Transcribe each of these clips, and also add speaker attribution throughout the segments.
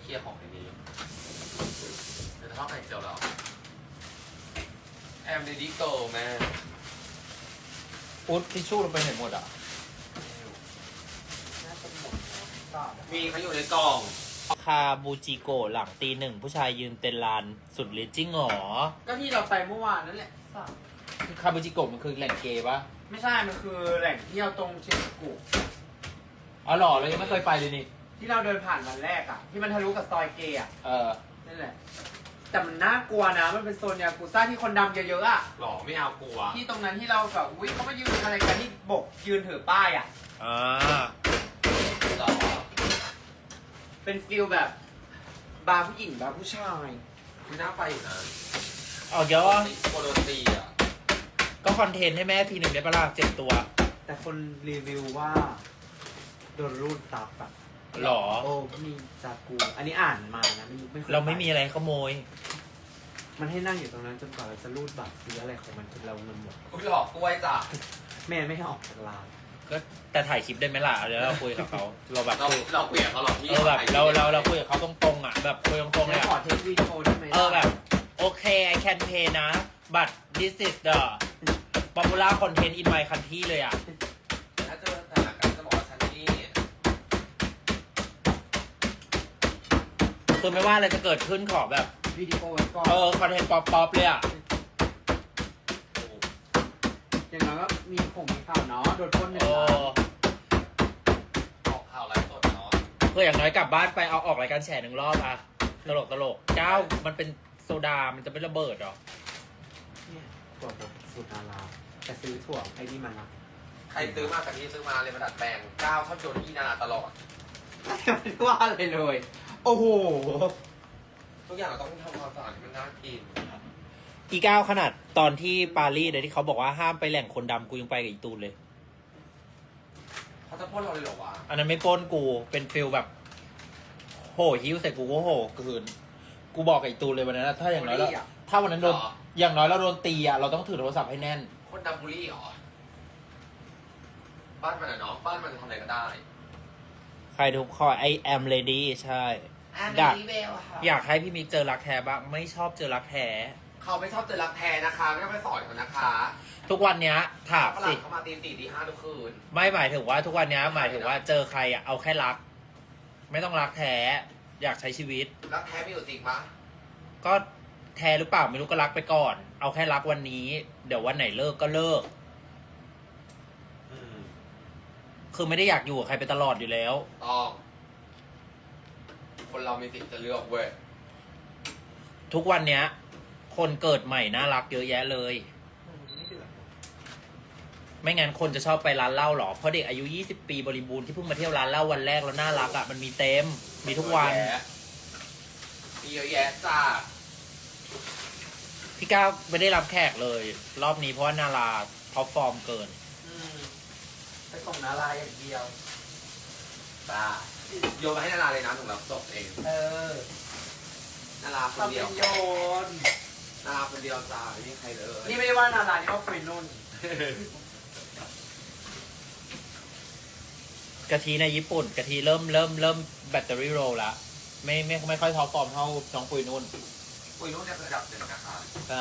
Speaker 1: ลียร์ของในนี้เดี๋ยวจะเข้าไข่เจียวแล้วแอมเดดี้โกแม่
Speaker 2: อุ๊ดทิชชู่ลงไปไหนหมดอ่ะ
Speaker 3: น่าจะหมดแล้ว
Speaker 1: มีเขาอยู่ในกล่อง
Speaker 2: คาบูจิโกะหลังตีหนึ่งผู้ชายยืนเต็นลานสุดฤทธิ์จริงเหรอ
Speaker 3: ก็ที่เราไปเมื่อวานนั่นแหละ
Speaker 2: คาบูจิโกะมันคือแหล่งเกย์ปะ
Speaker 3: ไม่ใช่ มันคือแหล่งเที่ยวตรงเชียงกุ
Speaker 2: อ๋อเหรอเรายังไม่เคยไปเลยนี่
Speaker 3: ที่เราเดินผ่านวันแรกอ่ะ ที่มันทะลุกับซอยเกย์อ่ะ
Speaker 2: เออ
Speaker 3: นั่นแหละ แต่มันน่ากลัวนะ มันเป็นโซนยากุซ่าที่คนดำเยอะๆอ่ะ
Speaker 1: หรอไม่เอากลัว
Speaker 3: ที่ตรงนั้นที่เราแบบอุ้ยเขามายืนอะไรกันที่บกยืนถือป้ายอ่ะ
Speaker 2: อ่า
Speaker 1: หรอ
Speaker 3: เป็นฟิลแบบ บาร์ผู้หญิงบาร์ผู้ชาย
Speaker 1: ไม่น่าไปอยู่นะ
Speaker 2: เอาเยอะวะ
Speaker 1: โคโดนตีอ่ะ
Speaker 2: ก็คอนเทนต์ให้แม่ทีหนึ่งได้ปะล่ะ7 ตัว
Speaker 3: แต่คนรีวิวว่าโดนรูดซับอ่ะ
Speaker 2: หรอ
Speaker 3: โอ้มีจากูอันนี้อ่านมานะไม่เคย
Speaker 2: เราไม่มีอะไรขโมย
Speaker 3: มันให้นั่งอยู่ตรงนั้นจนกว่าเราจะรูดบัตรซื้ออะไรของมันจนเราเงินหมด
Speaker 1: คุณหลอกกล้วยจ้ะ
Speaker 3: แม่ไม่ให้ออกจากร้าน
Speaker 2: ก็แต่ถ่ายคลิปได้ไหมล่ะเดี๋ยวเราคุยกับเขาเราแบบ
Speaker 1: เรา
Speaker 2: คุย
Speaker 1: เราคุยกับเขาหรอกพี่
Speaker 2: แบบเราคุยกับเขาตรงๆอ่ะแบบคุยตรงๆเลย
Speaker 3: ขอ
Speaker 2: อ่ะ
Speaker 3: เทควิดีโอได้ไหม
Speaker 2: แบบโอเค I can pay นะ but this is the popular content in my country เลยอ่ะ
Speaker 1: ถ้าเจอสถานการณ์จะบอกว่าฉันนี่
Speaker 2: คือไม่ว่าอะไรจะเกิดขึ้นขอแบบ
Speaker 3: วิดีโอไว้ก่อน
Speaker 2: คอนเทนต์ป๊อปเลยอ่ะ
Speaker 3: อย่างน้อยก็มีข่าวเนาะโดนปล้นหนึ่ง
Speaker 2: เอ
Speaker 3: ล้าน
Speaker 2: อ
Speaker 1: ออกข่าวไลฟ์สดเนาะ
Speaker 2: คืออย่างน้อยกลับบ้านไปเอาออกรายการแฉ1 รอบอ่ะตลกเจ้ามันเป็นโซดา มันจะไม่ระเบิดหรอ
Speaker 3: เนี่ยตัวบทสูตรนาราแต่ซื้อถั่วไอ้นี่มันนะ
Speaker 1: ใครซื้อมากับที่ซื้อมาเลยมาดัดแปลงก้าวเข้าโจนที่นาตลอด
Speaker 3: ไม่ว่าอะไรเลย โอ้โห
Speaker 1: ทุกอย่างเราต้องทำความสะอาดให้มันน่ากิน
Speaker 2: อีก้าวขนาดตอนที่ปารีสเลยที่เขาบอกว่าห้ามไปแหล่งคนดำกูยังไปกับอีตูนเลย
Speaker 1: เขาจะพ่นเราเลยเหรอวะ
Speaker 2: อันนั้นไม่ปล้นกูเป็นฟิลแบบโหหิ้วใส่กูก็โหคืนกูบอกกับอีตูนเลยวันนั้นนะถ้าอย่างน้อยแล้วถ้าวันนั้นโดนอย่างน้อยเราโดนตีอ่ะเราต้องถือโทรศัพท์ให้แน่น
Speaker 1: คนดัมบูรี่เหรอ บ้านมันอะเนาะ บ้านมันจะทำอะไรก็ได้
Speaker 2: ใครทุกข้อ I am ready ใช่ อยาก อยากให้พี่มิกเจอรักแท้บ้างไม่ชอบเจอรักแท้
Speaker 1: เขาไม่ชอบเจอรักแท้นะคะ ไม่ต้องไปสอนเขานะคะ
Speaker 2: ทุกวันเนี้ยถาม
Speaker 1: ฝรั่
Speaker 2: สิ
Speaker 1: งเขามาตี 4 ตี 5ทุกคืน
Speaker 2: ไม่หมายถึงว่าทุกวันเนี้ยหมายถึงว่าเจอใครอ่ะเอาแค่รัก ไม่ต้องรักแท้ อยากใช้ชีวิต
Speaker 1: รักแท้มีอยู่จริงปะ
Speaker 2: ก็แท้หรือเปล่าไม่รู้ก็รักไปก่อน เอาแค่รักวันนี้ เดี๋ยววันไหนเลิกก็เลิก คือไม่ได้อยากอยู่กับใครไปตลอดอยู่แล้ว
Speaker 1: ต้องคนเรามีสิทธิ์จะเลือกเว้ย
Speaker 2: ทุกวันเนี้ย คนเกิดใหม่น่ารักเยอะแยะเลย
Speaker 3: ไม่เดือด
Speaker 2: ไม่งั้นคนจะชอบไปร้านเหล้าหรอ เพราะเด็กอายุ20 ปีบริบูรณ์ที่เพิ่งมาเที่ยวร้านเหล้าวันแรกแล้วน่ารักอ่ะมันมีเต็ม มีทุกวัน
Speaker 1: มีเยอะแยะจ้า
Speaker 2: พี่ก้าวไม่ได้รับแขกเลย รอบนี้เพราะว่านาราท็อปฟอร์มเกิน
Speaker 3: ไปส่งนาราอย่างเดียว
Speaker 1: จ้าโยนมาให้นาราเลยนะหนูรับจบเอง
Speaker 3: เออ
Speaker 1: นาราคน
Speaker 3: ทำ
Speaker 1: เดี
Speaker 3: เป็
Speaker 1: ยวน
Speaker 3: โยน
Speaker 1: นาราคนเดียวจ้าไม่มีใครเลย
Speaker 3: นี่ไม่ได้ว่านารานี่ว่าคุยนุ่น
Speaker 2: กะทิในญี่ปุ่นกะทิเริ่มแบตเตอรี่โรลละไม่ค่อยท็อปฟอร์มเท่าน้องปุยนุ่น
Speaker 1: คุยนู้นเนี่ยระดับหนึ่งนะคะ
Speaker 2: ใช่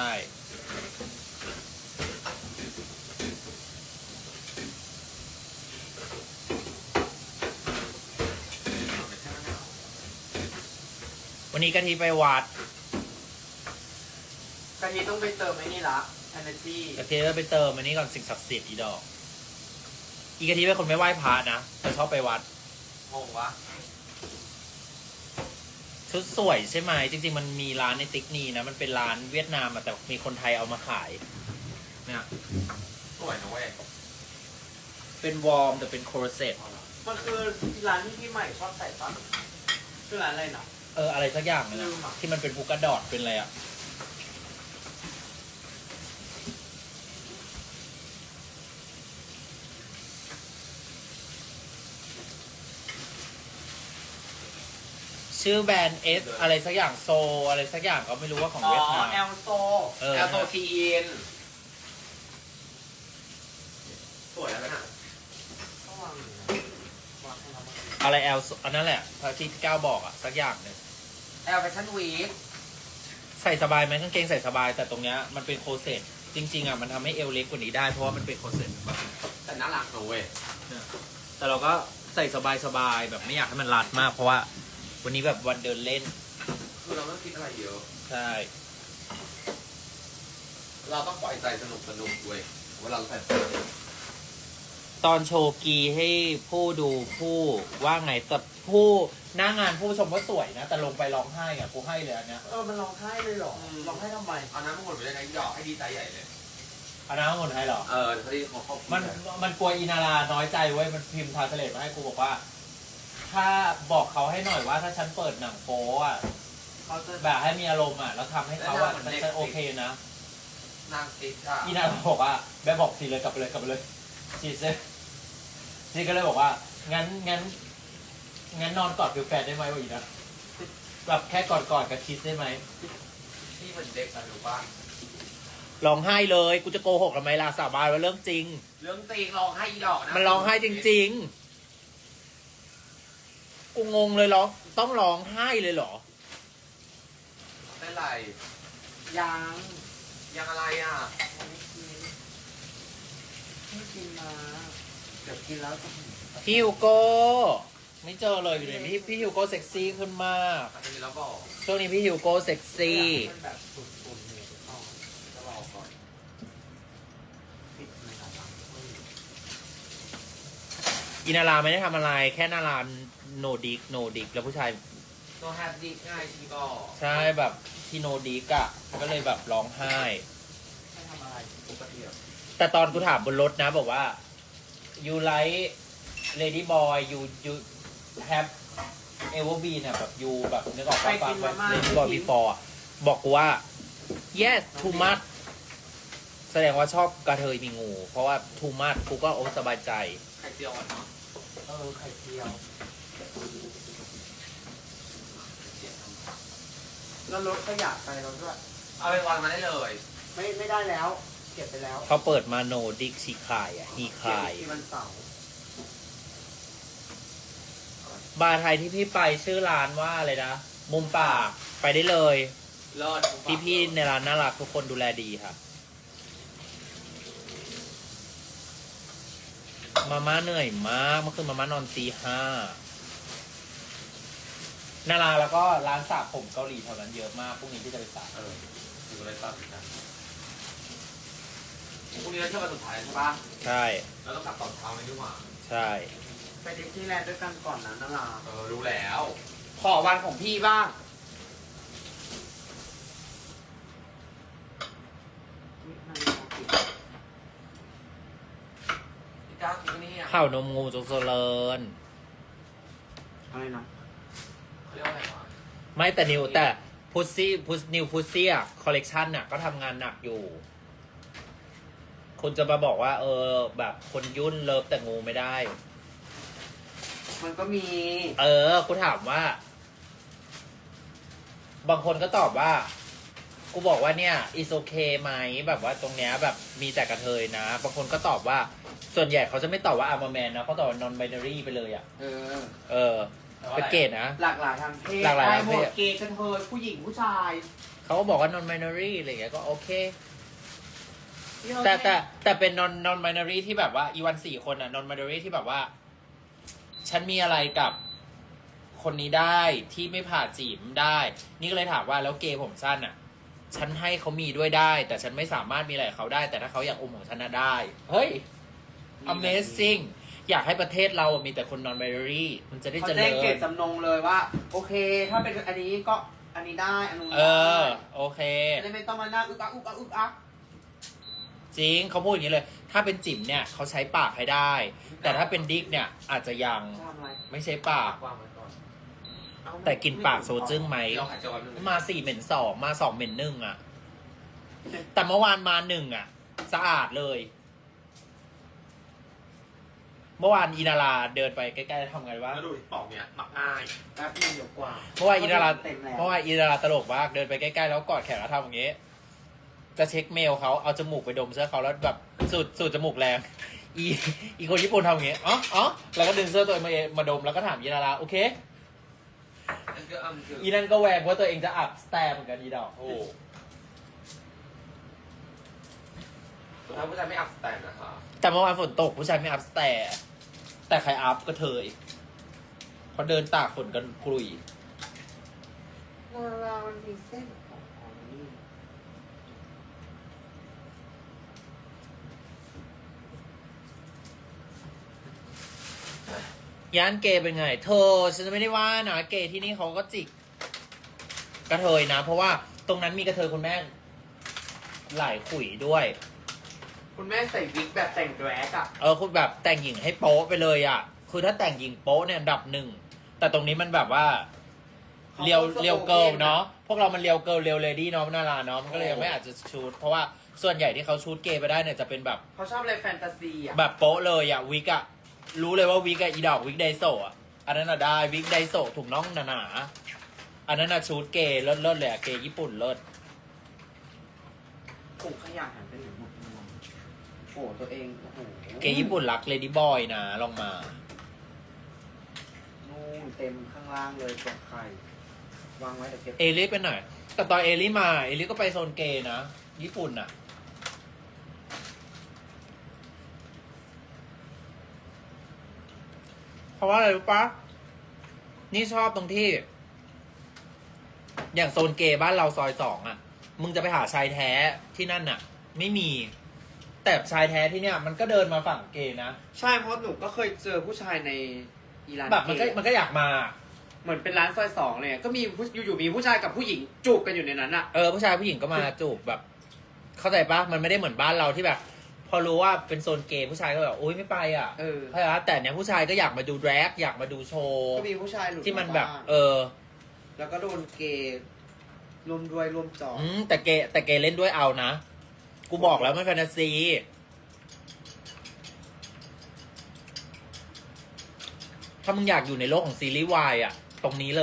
Speaker 2: วันนี้กะทิไปวัด
Speaker 3: กะทิต้องไปเติมไอ้นี่ละ energy
Speaker 2: กะทิก็ไปเติมอันนี้ก่อนสิ่งศักดิ์สิทธิ์อีดอก อีกะทิเป็นคนไม่ไหว้พระนะแต่ชอบไปวัด
Speaker 1: งงวะ
Speaker 2: ชุดสวยใช่ไหมจริงๆมันมีร้านในติ๊กนีนะมันเป็นร้านเวียดนามอะแต่มีคนไทยเอามาขายเนี่ย
Speaker 1: สวยนะเว้ย
Speaker 2: เป็นวอร์มแต่เป็นโครเซต
Speaker 3: มันคือร้านที่พี่ใหม่ชอบใส่ปะคือร้านอะไรนะ
Speaker 2: อะไรสักอย่างนึง
Speaker 3: ลื
Speaker 2: อะ
Speaker 3: มอะ
Speaker 2: ที่มันเป็นพุกกระดอดเป็นอะไรอะชื่อแบรนด์เอสอะไรสักอย่างโซอะไรสักอย่างก็ไม่รู้ว่าของ
Speaker 3: อ๋อ
Speaker 2: เวียดนาม
Speaker 3: แอลโซ
Speaker 1: แอลโซทีอินสวยแล้วนะ
Speaker 3: ต้องวางอยู่นะวางให้เราบ้าง
Speaker 2: อะไรแอลอันนั้นแหละที่พี่ก้าวบอกอะสักอย่างหนึ่ง
Speaker 1: แอลแฟชั่นวีค
Speaker 2: ใส่สบายไหมกางเกงใส่สบายแต่ตรงเนี้ยมันเป็นโคเซ็ตจริงๆอ่ะมันทำให้เอวเล็กกว่านี้ได้เพราะว่ามันเป็นโคเซ็ตแบบ
Speaker 1: แต่น่ารักนะเว้ย
Speaker 2: เนี่ยแต่เราก็ใส่สบายๆแบบไม่อยากให้มันรัดมากเพราะว่าวันนี้แบบวันเดินเล่น
Speaker 1: คือเราไม่ต้องคิดอะไรเยอะ
Speaker 2: ใช่
Speaker 1: เราต้องปล่อยใจสนุกเว้ยเวลาเราใส่
Speaker 2: ตอนโชว์กีให้ผู้ดูผู้ว่าไงแต่ผู้หน้างานผู้ชมว่าสวยนะแต่ลงไปร้องไห้อ่ะกูให้เลยอันเนี้ย
Speaker 3: มันร้องไห้เลยเหรอร้องไห้ทำไม
Speaker 1: เอาน้ำมันหมดไปเลยนะหยอกให้ดีใจใหญ่เลย
Speaker 2: อันนั้นหมดให้เหรอ
Speaker 1: เขาที่เขา
Speaker 2: มันกลัวอินาราน้อยใจเว้ยมันพิมพ์ทาสเลตมาให้กูบอกว่า ถ้าบอกเขาให้หน่อยว่าถ้าฉันเปิดหนังโป๊อ่ะ
Speaker 3: เขาจะ
Speaker 2: แบบให้มีอารมณ์อ่ะแล้วทำให้เขาอ่ะฉันโอเคนะ
Speaker 1: นางติ๊กอ่ะ
Speaker 2: อินาราบอกว่าแบบบอกสิเลยกลับไปเลยชีเซ่นี่ก็เลยบอกว่างั้นนอนกอดฟิวแฟนได้ไหมวะอีนะแบบแค่กอดกับคิสได้ไหม
Speaker 1: ที่เหมือนเด็กอะรู้ป่ะ
Speaker 2: ร้องไห้เลยกูจะโกหกทำไมล่ะสาบานว่าเรื่องจริง
Speaker 1: เรื่องจริงร้องไห้อีดอกนะ
Speaker 2: มันร้องไห้จริงๆกูงงเลยร้องต้องร้องไห้เลยเหรอ
Speaker 1: ไม่ไร
Speaker 3: ยัง
Speaker 1: ยังอะไรอ่ะ
Speaker 3: ไม่กินมาเดี๋ยวกินแล้วจะ
Speaker 2: พี่ฮิวโก้ไม่เจอเลยอยู่ไหนพี่ฮิวโก้เซ็กซี่ขึ้นมาก
Speaker 1: อาจจะมีแล้วบอก
Speaker 2: ช่วงนี้พี่ฮิวโก้เซ็กซี่
Speaker 3: มันแบบสุดๆเลยอ๋อ
Speaker 1: จะรอก่อน
Speaker 3: ปิดเลยครับ
Speaker 2: อินาราไม่ได้ทำอะไรแค่นาราโนดิกแล้วผู้ชาย
Speaker 1: โนแฮปดีง่ายชีบอก
Speaker 2: ใช่แบบที่โนดิกอะก็เลยแบบร้องไห้
Speaker 3: ไม่ทำอะไรปกติอะ
Speaker 2: แต่ตอนกูถามบนรถนะบอกว่า you like lady boy you have ever been อะแบบ you แบบนึกออกปะแบบ lady boy before อะบอกกูว่า yes too much แสดงว่าชอบกระเทยมีงู เพราะว่า too much กูก็โอ้สบายใจ
Speaker 1: ไข่เจียวอ่อนเนาะ
Speaker 3: ไข่เจียว แล้วรถขยะไปแล้วด้วย
Speaker 1: เอาไปวางมาได้เลย
Speaker 3: ไม่ได้แล้ว เก็บไปแล้ว
Speaker 2: เขาเปิดมาโนดิกชีคายอ่ะฮีคาย
Speaker 3: ที่วันเสาร์
Speaker 2: บาร์ไทยที่พี่ไปชื่อร้านว่าอะไรนะ มุมปากไปได้เลย
Speaker 1: เลิศ
Speaker 2: พี่ๆในร้านน่ารักทุกคนดูแลดีค่ะ มาม่าเหนื่อยมากเมื่อคืนมาม่านอนตี 5นาราแล้วก็ร้านสระผมเกาหลีแถวนั้นเยอะมากพรุ่งนี้ที่จะไปสระ
Speaker 1: อยู่อะไรตัดเหมือนกันพรุ่งนี้เราเที่ยววันสุดท้ายใช่ปะ
Speaker 2: ใช่
Speaker 1: เราต้องกลับตอนเช้าเลยดีกว่า
Speaker 2: ใช่
Speaker 3: ไปดิสนีย์แลนด์ด้วยกันก่อนนะนารา
Speaker 1: รู้แล้ว
Speaker 3: ขอวันของพี่บ้างอุ๊ยนาฬิกาปิด
Speaker 1: พี่ก้าวกินนี่อ่ะ
Speaker 2: ข้าวนมงูจงเจริญ
Speaker 3: อะไรนะ
Speaker 1: เขาเรียกว่าอะไรวะ
Speaker 2: ไม่แต่นิวแต่พุซซี่นิวพุซซี่อ่ะคอลเลกชันอ่ะก็ทำงานหนักอยู่คุณจะมาบอกว่า แบบคนยุ่นเลิฟแต่งูไม่ได้
Speaker 3: มันก็มี
Speaker 2: กูถามว่า บางคนก็ตอบว่า กูบอกว่าเนี่ย is okay ไหมแบบว่าตรงเนี้ยแบบมีแต่กระเทยนะ บางคนก็ตอบว่า ส่วนใหญ่เขาจะไม่ตอบว่า I'm a man นะเขาตอบว่า non binary ไปเลยอ่ะ เป็นเกย์นะ
Speaker 3: หลากหลายทางเพศ
Speaker 2: หลากหลายทางเพศ
Speaker 3: ได้มดเกย์กระเทยผู้หญิงผู้ชาย
Speaker 2: เขาก็บอกว่า non binary อะไรอย่างเงี้ยก็โอเค แต่เป็น non binary ที่แบบว่าอีวัน4 คนอ่ะ non binary ที่แบบว่า ฉันมีอะไรกับคนนี้ได้ที่ไม่ผ่าจีบได้ นี่ก็เลยถามว่าแล้วเกย์ผมสั้นอ่ะ ฉันให้เขามีด้วยได้ แต่ฉันไม่สามารถมีอะไรกับเขาได้ แต่ถ้าเขาอยากอมของฉันน่ะได้ เฮ้ย amazing อยากให้ประเทศเรามีแต่คน non binary มันจะได้
Speaker 3: เขา
Speaker 2: เจริ
Speaker 3: แจ้ง
Speaker 2: ญ
Speaker 3: เกตจำนงเลยว่า โอเค ถ้าเป็นอันนี้ก็อันนี้ได้อันนู้น
Speaker 2: เอ
Speaker 3: ได้
Speaker 2: อ โอเค
Speaker 3: จะไม่ต้องมานั่งอึกอักอึกอักอึกอัก
Speaker 2: จริงเขาพูดอย่างนี้เลย ถ้าเป็นจิ๋มเนี่ยเขาใช้ปากให้ได้ แต่ถ้าเป็นดิ๊กเนี่ยอาจจะยัง
Speaker 3: จะทำอะไร
Speaker 2: ไม่ใช้ปาก
Speaker 1: วางไว้ก่อน
Speaker 3: เอา
Speaker 2: แต่กินปากโซจึ้งไหม
Speaker 1: ลองหายใจวันหนึ่ง
Speaker 2: มา4 เหม็น 2 มา 2 เหม็น 1อ่ะ แต่เมื่อวานมา 1อ่ะ สะอาดเลย เมื่อวานอินาราเดินไปใกล้ๆทำไงวะ
Speaker 1: แล้วดูปอกเนี่ยหมักง่าย
Speaker 3: แป๊บนึงเดี๋ยวกว่า
Speaker 2: เมื่อวานอินารา
Speaker 3: เต็มแล้ว
Speaker 2: เมื่อวานอินาราตลกมากเดินไปใกล้ๆแล้วกอดแขนแล้วทำอย่างงี้ จะเช็คเมลเขาเอาจมูกไปดมเสื้อเขาแล้วแบบสูดจมูกแรง อีคนญี่ปุ่นทำอย่างงี้อ๋อแล้วก็ดึงเสื้อตัวเองมาดมแล้วก็ถามอินาราโอเคอีนั่นก็แหวกว่าตัวเองจะอัพสแตมเหมือนกันอีดอก
Speaker 1: โอ้สุดท้ายผู้ชายไม่อัพสแตนนะคะ
Speaker 2: แต่เมื่อวานฝนตกผู้ชายไม่อัพสแตร์แต่ใครอัพก็เธอเพราะเดินตากฝนกันกลุย
Speaker 3: ลามันมีเส้นอ๋อนี่
Speaker 2: ย่านเกย์เป็นไง เธอฉันจะไม่ได้ว่านะเกย์ที่นี่เขาก็จิกกระเทยนะ เพราะว่าตรงนั้นมีกระเทยคุณแม่หลายขุยด้วย
Speaker 3: คุณแม่ใส่วิกแบบแต่งแดรกอะ
Speaker 2: คุณแบบแต่งหญิงให้โป๊ะไปเลยอ่ะ คือถ้าแต่งหญิงโป๊ะเนี่ยอันดับหนึ่ง แต่ตรงนี้มันแบบว่าเรียวเกิลเนาะ พวกเรามันเรียวเกิลเรียวเลดี้เนาะนาราเนาะ มันก็เลยยังไม่อาจจะชูดเพราะว่าส่วนใหญ่ที่เขาชูดเกย์ไปได้เนี่ยจะเป็นแบบ
Speaker 3: เขาชอบอะไรแฟนตาซีอะ
Speaker 2: แบบโป๊ะเลยอ่ะวิกอ่ะ รู้เลยว่าวิกอ่ะอีดอกวิกไดโซอ่ะ อันนั้นอ่ะได้วิกไดโซถุงน่องหนาๆอันนั้นอ่ะชูดเกย์เลิศเลยอ่ะเกย์ญี่ปุ่นเลิศ
Speaker 3: ถุงขยะหันไปหนึ่งหมดโอ้โหตัวเองโอ้โห
Speaker 2: เกย์ญี่ปุ่นรักเลดี้บอยนะลองมา
Speaker 3: นู่นเต็มข้างล่างเลยตรงไข่วางไว้แต่เก็บ
Speaker 2: เอลิไปหน่อย แต่ตอนเอลิมาเอลิก็ไปโซนเกย์นะ ญี่ปุ่นอ่ะ เพราะว่าอะไรรู้ปะนี่ชอบตรงที่ อย่างโซนเกย์บ้านเราซอย2อ่ะ มึงจะไปหาชายแท้ที่นั่นน่ะ ไม่มี แต่ชายแท้ที่เนี่ย มันก็เดินมาฝั่งเกย์นะ
Speaker 3: ใช่เพราะหนูก็เคยเจอผู้ชายในอีราน
Speaker 2: แบบมันก็อยากมา
Speaker 3: เหมือนเป็นร้านซอยสองเลยก็มีอยู่ๆมีผู้ชายกับผู้หญิงจูบกันอยู่ในนั้นอะ
Speaker 2: ผู้ชายผู้หญิงก็มาจูบแบบ เข้าใจปะมันไม่ได้เหมือนบ้านเราที่แบบ พอรู้ว่าเป็นโซนเกย์ผู้ชายก็แบบโอ๊ยไม่ไปอ่ะเข้าใจปะแต่เนี้ยผู้ชายก็อยากมาดูแดรกอยากมาดูโชว์
Speaker 3: ก็มีผู้ชายหลุด
Speaker 2: ที่มันแบบ
Speaker 3: าาง แล้วก็โดนเกย์รวมด้วยรวมจอง
Speaker 2: แต่เกย์เล่นด้วยเอานะ กูบอกแล้วมันแฟนตาซี ถ้ามึงอยากอยู่ในโลกของซีรีส์วายอ่ะ ตรงนี้เลย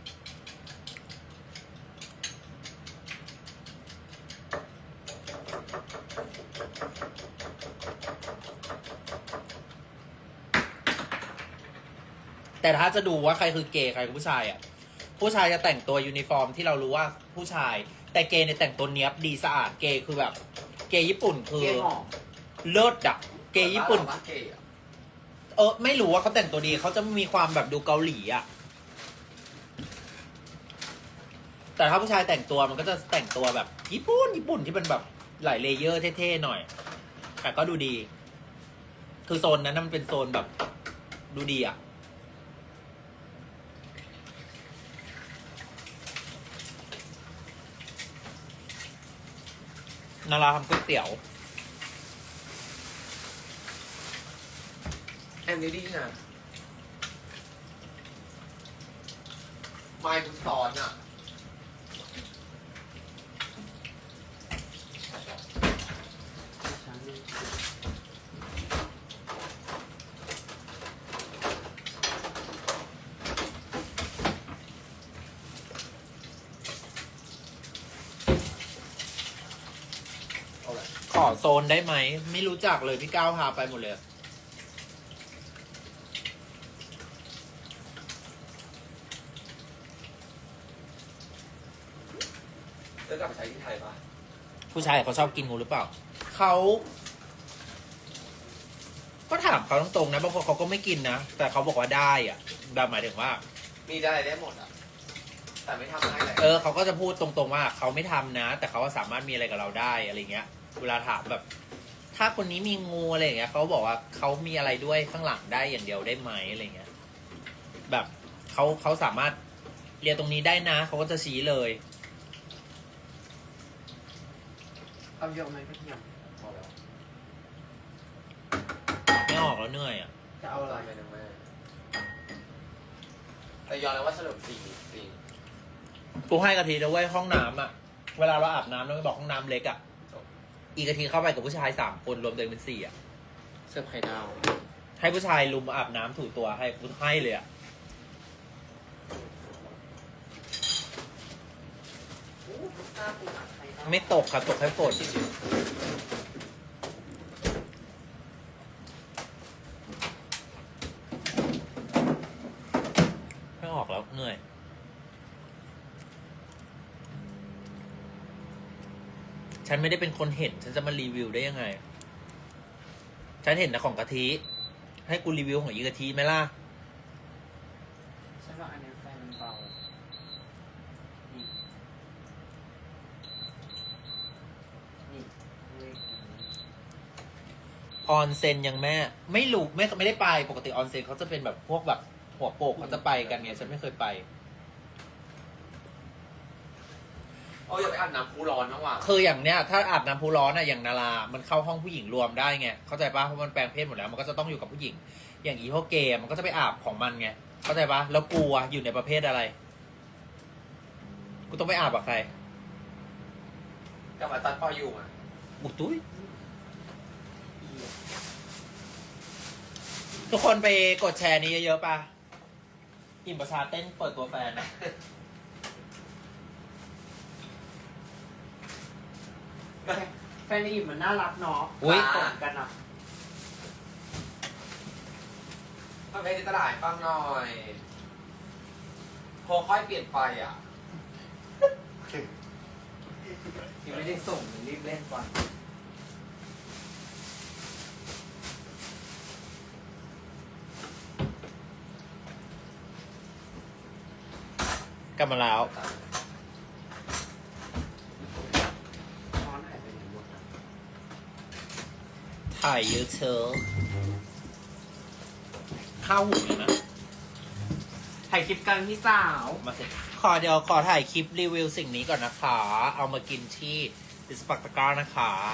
Speaker 2: แต่ถ้าจะดูว่าใครคือเกย์ใครคือผู้ชายอ่ะ ผู้ชายจะแต่งตัวยูนิฟอร์มที่เรารู้ว่าผู้ชาย แต่เกย์เนี่ยแต่งตัวเนี้ยบดีสะอาด เกย์คือแบบ เกย์ญี่ปุ่นคือ
Speaker 3: เกย์หอม
Speaker 2: เลิศอะเกย์ญี่ปุ่น
Speaker 1: บ้าเกย์อะ
Speaker 2: ไม่รู้ว่าเขาแต่งตัวดีเขาจะมีความแบบดูเกาหลีอะแต่ถ้าผู้ชายแต่งตัวมันก็จะแต่งตัวแบบญี่ปุ่นที่เป็นแบบหลายเลเยอร์เท่ๆหน่อย แต่ก็ดูดี คือโซนนั้นนะมันเป็นโซนแบบดูดีอะนาราทำก๋วยเตี๋ยว
Speaker 1: แอนดี้นะไมค์คุณสอนอ่ะ เอาละ
Speaker 2: ขอโซนได้ไหม ไม่รู้จักเลยพี่ก้าวพาไปหมดเลย
Speaker 1: จะกลับไปใช้ที่ไทยปะ
Speaker 2: ผู้ชายเขาชอบกินงูหรือเปล่า เขาก็ถามเขาตรงๆนะบางคนเขาก็ไม่กินนะ แต่เขาบอกว่าได้อะแบบหมายถึงว่า
Speaker 1: มีได้ได้หมดอ่ะ แต่ไม่ทำให้เลย
Speaker 2: เขาก็จะพูดตรงๆว่าเขาไม่ทำนะ แต่เขาก็สามารถมีอะไรกับเราได้อะไรเงี้ย เวลาถามแบบ ถ้าคนนี้มีงูอะไรอย่างเงี้ยเขาบอกว่าเขามีอะไรด้วยข้างหลังได้อย่างเดียวได้ไหมอะไรเงี้ย แบบเขาสามารถเรียนตรงนี้ได้นะเขาก็จะชี้เลย
Speaker 3: เอาเยอะไหมพี่ย
Speaker 1: พอแล้ว
Speaker 2: ไม่ออกแล้วเหนื่อยอ่ะ
Speaker 3: จะเอาอะไร
Speaker 1: ไปนะแม่แต่ยอมแล้วว่าเฉลิมศรีจริง
Speaker 2: กูให้กะทินะเว้ยห้องน้ำอ่ะ เวลาเราอาบน้ำเราไม่บอกห้องน้ำเล็กอ่ะ อีกกะทิเข้าไปกับผู้ชาย3 คนรวมตัวเองเป็น4อ่ะ
Speaker 3: เสิร์ฟไข่ดาว
Speaker 2: ให้ผู้ชายลุมอาบน้ำถูตัวให้กูให้เลยอ่ะ ไม่ตกค่ะตกแค่ฝนไม่ออกแล้วเหนื่อยฉันไม่ได้เป็นคนเห็น ฉันจะมารีวิวได้ยังไง ฉันเห็นแต่ของกะทิ ให้กูรีวิวของอีกะทิไหมล่ะ
Speaker 3: ฉันว่าอันนี้ไฟมันเบานี่นี่เลขนี้
Speaker 2: ออนเซ็นยังแม่ ไม่รู้ไม่ได้ไป ปกติออนเซ็นเขาจะเป็นแบบพวกแบบหัวโปกเขาจะไปกันไง ฉันไม่เคยไป
Speaker 1: โอ้ยอย่าไปอาบน้ำพุร้อนนะว่ะ
Speaker 2: คืออย่างเนี้ยถ้าอาบน้ำพุร้อนอะอย่างนารา มันเข้าห้องผู้หญิงรวมได้ไง เข้าใจปะเพราะมันแปลงเพศหมดแล้ว มันก็จะต้องอยู่กับผู้หญิง อย่างอีพวกเกย์มันก็จะไปอาบของมันไง เข้าใจปะแล้วกูอะอยู่ในประเภทอะไร กูต้องไปอาบกับใคร
Speaker 1: กับอาจารย์ปออยู่อ่ะ
Speaker 2: อุยตุ้ยทุกคนไปกดแชร์นี้เยอะๆปะอิ่มประชาเต้นเปิดตัวแฟนนะ
Speaker 3: แฟนอีฟมันน่ารักเนาะ
Speaker 2: อุ๊ย
Speaker 3: ตรงกันอ่ะ
Speaker 1: มาไปที่ตลาดฟังหน่อยโพค่อยเปลี่ยนไปอ่ะ
Speaker 3: ยังไม่ได้ส่งรีบเล่นก่อน
Speaker 2: กลับมาแล้ว
Speaker 3: ช้อนหายไปไหนหมดอะ
Speaker 2: ถ่ายเยอะเชอะข้าวหูเลยนะ
Speaker 3: ถ่ายคลิปกันพี่สาว
Speaker 2: มาสิเดี๋ยวขอถ่ายคลิปรีวิวสิ่งนี้ก่อนนะคะ เอามากินที่ดิสปักตะกร้านะคะ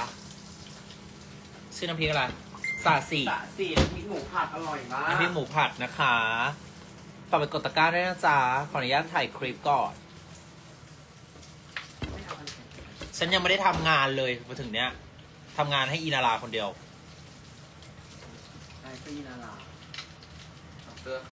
Speaker 2: ชื่อน้ำพริกอะไรสาสี
Speaker 3: สะสีน้ำพริกหมูผัดอร่อยมาก
Speaker 2: น้ำพริกหมูผัดนะคะฝากไปกดตะกร้าด้วยนะจ๊ะ ขออนุญาตถ่ายคลิปก่อน
Speaker 3: ไม่เอาอันไหน
Speaker 2: ฉันยังไม่ได้ทำงานเลยมาถึงเนี้ยทำงานให้อีนาราคนเดียว
Speaker 3: ได้พี่นารา
Speaker 1: เสื้อ